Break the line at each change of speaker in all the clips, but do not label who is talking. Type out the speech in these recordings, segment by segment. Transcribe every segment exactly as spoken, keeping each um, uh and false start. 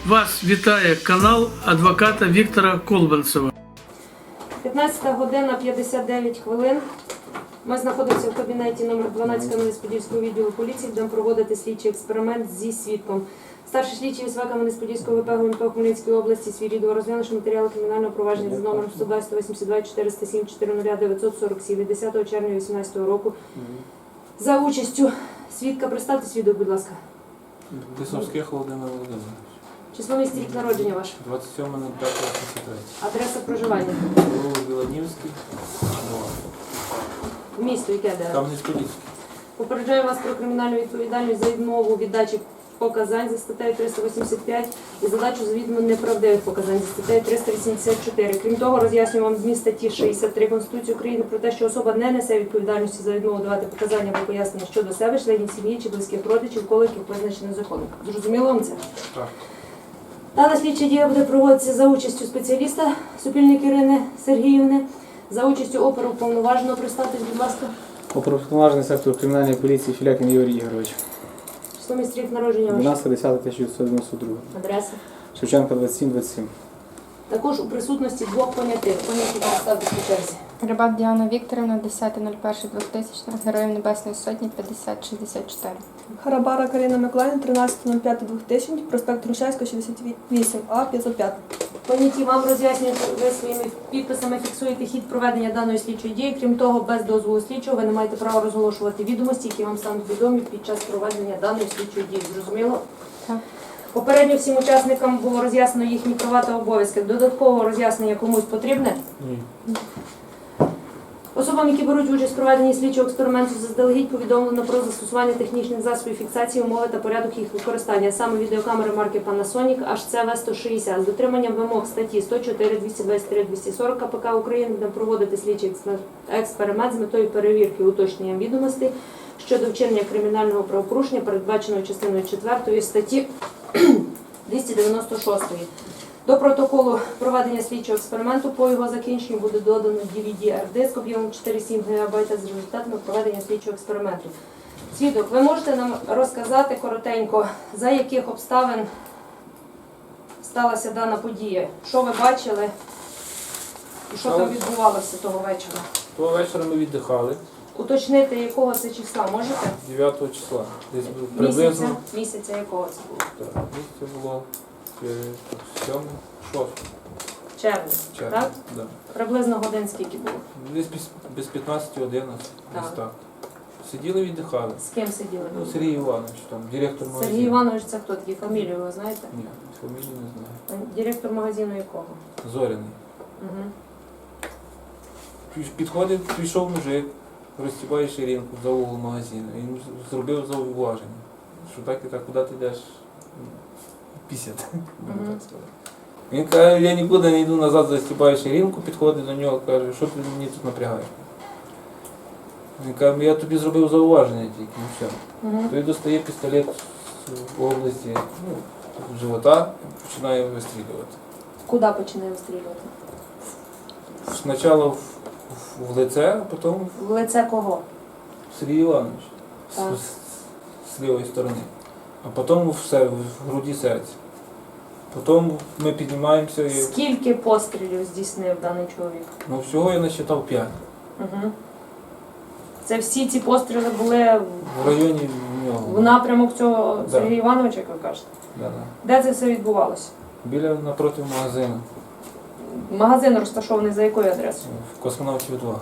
Вас вітає канал адвоката Віктора Колбанцева.
п'ятнадцята година п'ятдесят дев'ять хвилин. Ми знаходимося в кабінеті номер дванадцять Кам'янець-Подільського відділу поліції, будемо проводити слідчий експеримент зі свідком. Старший слідчий із Кам'янець-Подільського ВП ГУНП Хмельницької області свій відео розглянувши матеріали кримінального провадження за номером сто два, сто вісімдесят два, чотириста сім, чотириста, дев'ятсот сорок сім від десятого червня дві тисячі вісімнадцятого року. За участю свідка, представте свідок, будь ласка.
Лисовських Володимир Володимирович.
Число, місце, рік народження ваше.
двадцять сьоме п'яте вісімдесят три.
Адреса проживання.
Вулиця Біланівський,
Місто, яке де?
Кам'янець-Подільський.
Попереджаю вас про кримінальну відповідальність за відмову від дачі показань за статтею триста вісімдесят п'ять і задачу завідомо неправдивих показань за статтею триста вісімдесят чотири. Крім того, роз'яснюю вам зміст статті шістдесят три Конституції України про те, що особа не несе відповідальності за відмову давати показання або пояснення щодо себе, членів сім'ї чи близьких родичів, коло яких визначено законом. Зрозуміло вам це?
Так.
Дана слідча дія буде проводитися за участю спеціаліста Супільник Ірини Сергіївни, за участю оперуповноваженого. Представтесь, будь ласка.
Оперуповноважений сектор кримінальної поліції Філякін Ігор Ігорович.
Число, місце, рік народження ваше.
дванадцяте десяте тисяча дев'ятсот дев'яносто два.
Адреса.
Шевченка двадцять сім двадцять сім.
Також у присутності двох понятих. Поняті представтесь по черзі.
Рибак Діана Вікторівна, десяте перше двохтисячного, Героїв Небесної Сотні, п'ятдесят шістдесят чотири.
Харабара Карина Миколаївна, тринадцяте п'яте двохтисячного, проспект Грушевського, шістдесят вісім А, п'ятсот п'ять.
Поняті вам роз'яснюють, ви своїми підписами фіксуєте хід проведення даної слідчої дії. Крім того, без дозволу слідчого ви не маєте права розголошувати відомості, які вам стануть відомі під час проведення даної слідчої дії. Зрозуміло?
Так.
Попередньо всім учасникам було роз'яснено їхні права та обов'язки. Додаткового роз'яснення комусь потрібне?
Ні.
Особам, які беруть участь в проведенні слідчого експерименту, заздалегідь повідомлено про застосування технічних засобів фіксації, умови та порядок їх використання. Саме відеокамери марки Panasonic ейч сі ві сто шістдесят. З дотриманням вимог статті сто чотири, двісті двадцять три, двісті сорок КПК України будемо проводити слідчий експеримент з метою перевірки уточнення відомостей щодо вчинення кримінального правопорушення, передбаченого частиною четвертої статті двісті дев'яносто шість. До протоколу проведення слідчого експерименту по його закінченню буде додано ді ві ді ар-диск об'ємом чотири цілих сім гігабайта з результатами проведення слідчого експерименту. Свідок, ви можете нам розказати коротенько, за яких обставин сталася дана подія? Що ви бачили і що там відбувалося того вечора?
Того вечора ми віддихали.
Уточнити, якого це числа можете?
дев'ятого числа. Десь приблизно.
Місяця? Місяця якого це було?
Так, місяця було сьоме, шосте.
Червня,
червня.
так?
Да.
Приблизно годин скільки було?
Десь без, без п'ятнадцяти одинадцять.
Так.
Десь так. Сиділи, віддихали.
З ким сиділи?
Ну, Сергій Іванович, там, директор магазину.
Сергій Іванович, це хто такий? Фамілію ви знаєте?
Ні, фамілію не знаю.
Директор магазину якого?
Зоряний.
Угу.
Підходив, прийшов мужик, розстібає ширинку за угол магазину. Він зробив зауваження, що так і так, куди ти йдеш? Пісять.
Мгм.
Він каже, я нікуди не йду назад, застібаю ширинку, підходить до нього, каже, що ти мені тут напрягаєш? Він каже, я тобі зробив зауваження тільки, і все.
Угу.
Той достає пістолет з області, ну, живота і починає вистрілювати.
Куди починає вистрілювати?
Спочатку в, в, в лице, а потім
В лице кого?
Сергій Іванович з,
Так.
з, з лівої сторони, а потім все, в груді серця. Потім ми піднімаємося і
Скільки пострілів здійснив даний чоловік?
ну, всього я насчитав п'ять.
Угу. Це всі ці постріли були
В районі нього.
в напрямок цього
Да.
Сергія Івановича, як ви кажете?
Да, да.
Де це все відбувалося?
Біля напроти магазину,
Магазин розташований за якою адресою?
в Космонавтів два.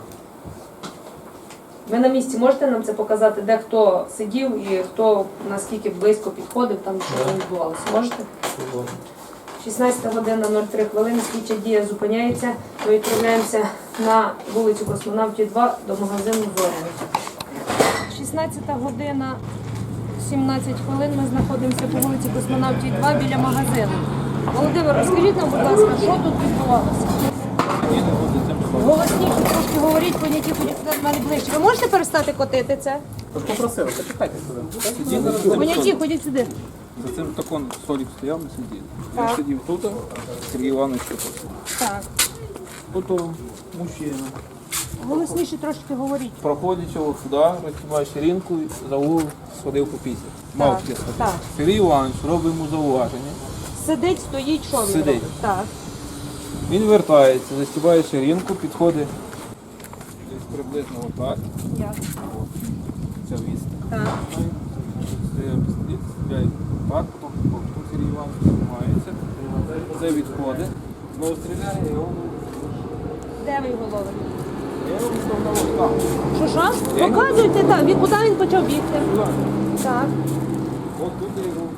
Ви на місці можете нам це показати, де хто сидів і хто наскільки близько підходив, там що там відбувалося? Можете? шістнадцята година нуль три хвилини, слідча дія зупиняється. Ми відправляємося на вулицю Космонавтів два до магазину Зоряний. шістнадцята година сімнадцять хвилин, ми знаходимося по вулиці Космонавтів два біля магазину. Володимир, розкажіть нам, будь ласка, що тут відбувалося? Голосніше трошки говоріть, поняті, до мене ближче. Ви можете перестати котити це?
Попросили, почекайте сюди.
Поняті, ходіть сюди.
За цим таком столик стояв, ми сиділи.
Так.
Я сидів тут, Сергій Іванович тут.
Так.
Потім мужчина.
Голосніше трошки говоріть.
Проходить його сюди, розтібає ширинку, за угол сходив по пісі. Мав
Так,
після.
так.
Сергій Іванович робить йому зауваження.
Сидить, стоїть, що він
Сидить.
робить? Так.
Він вертається, застібає ширинку, підходить десь приблизно отак.
Ясно.
Ця відстань.
Так.
Стріляє пістолет, стріляє так, потім потім Сергій Іванович тримається. Це відходить, знову стріляє, і його
Де ви його ловите?
я його став на лотках.
Що що?
Я-
Показуйте, так. Він, куди він почав бігти?
Сюди.
Так.
От тут я його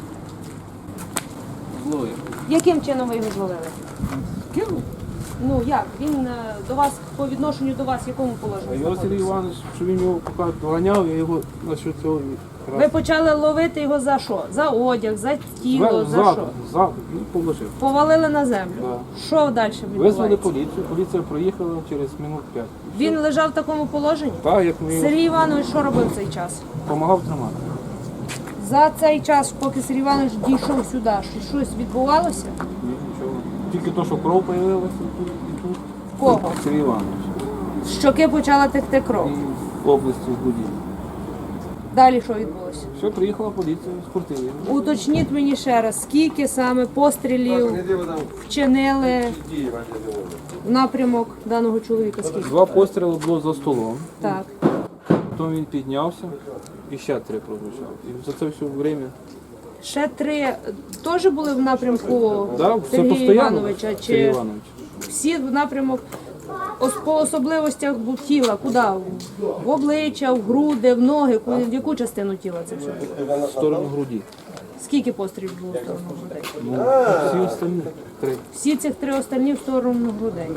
зловив.
Яким чином ви його зловили?
Кинув.
Ну як? Він е, до вас по відношенню до вас в якому
А
положенні?
його Сергій
знаходився?
Іванович, що він його поки доганяв, я його на що цього
Ви почали ловити його за що? За одяг, за тіло, за
ззаду,
що?
ззаду, він положив.
Повалили на землю.
Да.
Що далі
Визвали
відбувається?
поліцію, поліція проїхала через минут п'ять.
Він лежав в такому положенні?
Так, як ми його
Сергій Іванович що робив в цей час?
допомагав тримати.
За цей час, поки Сергій Іванович дійшов сюди, що- щось відбувалося?
Ні, нічого. Тільки то, що кров з'явилася тут і тут.
В кого?
Сергій Іванович.
З щоки почала текти кров.
І в області в Будівлі.
Далі що відбулося?
Все, приїхала поліція, скрутили.
Уточніть мені ще раз, скільки саме пострілів вчинили в напрямок даного чоловіка? Скільки?
Два постріли було за столом.
Так.
Потім він піднявся і ще три прозвучав. І за це все время.
Ще три теж були в напрямку
Да, все
Сергія
постійно.
Івановича?
Сергій
Чи
Іванович.
всі в напрямок ос- по особливостях бу- тіла? Куди? В обличчя, в груди, в ноги? Ку- В яку частину тіла це все?
В сторону груді.
Скільки пострілів було в сторону грудей?
Ну, всі остальні три.
Всі цих три останні в сторону грудей.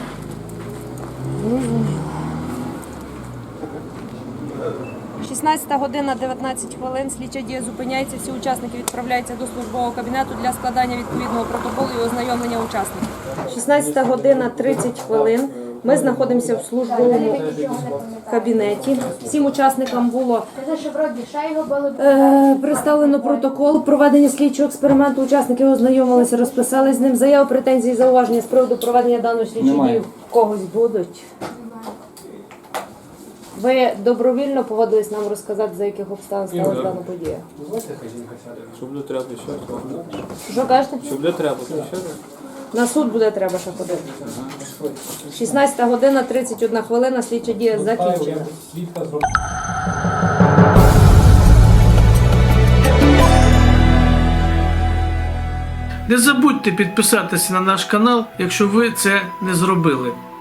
шістнадцята година дев'ятнадцять хвилин. Слідча дія зупиняється. Всі учасники відправляються до службового кабінету для складання відповідного протоколу і ознайомлення учасників. шістнадцята година тридцять хвилин. Ми знаходимося в службовому кабінеті. Всім учасникам було е, представлено протокол проведення слідчого експерименту. Учасники ознайомилися, розписали з ним. Заяви, претензії, зауваження з приводу проведення даної слідчої дії в когось будуть. Ви добровільно погодились нам розказати, за яких обставин сталася дана подія?
Щоб не треба ще.
Що кажете?
Щоб не треба ще.
На суд буде треба ще ходити. шістнадцята година тридцять одна хвилина, слідча дія закінчена.
Не забудьте підписатися на наш канал, якщо ви це не зробили.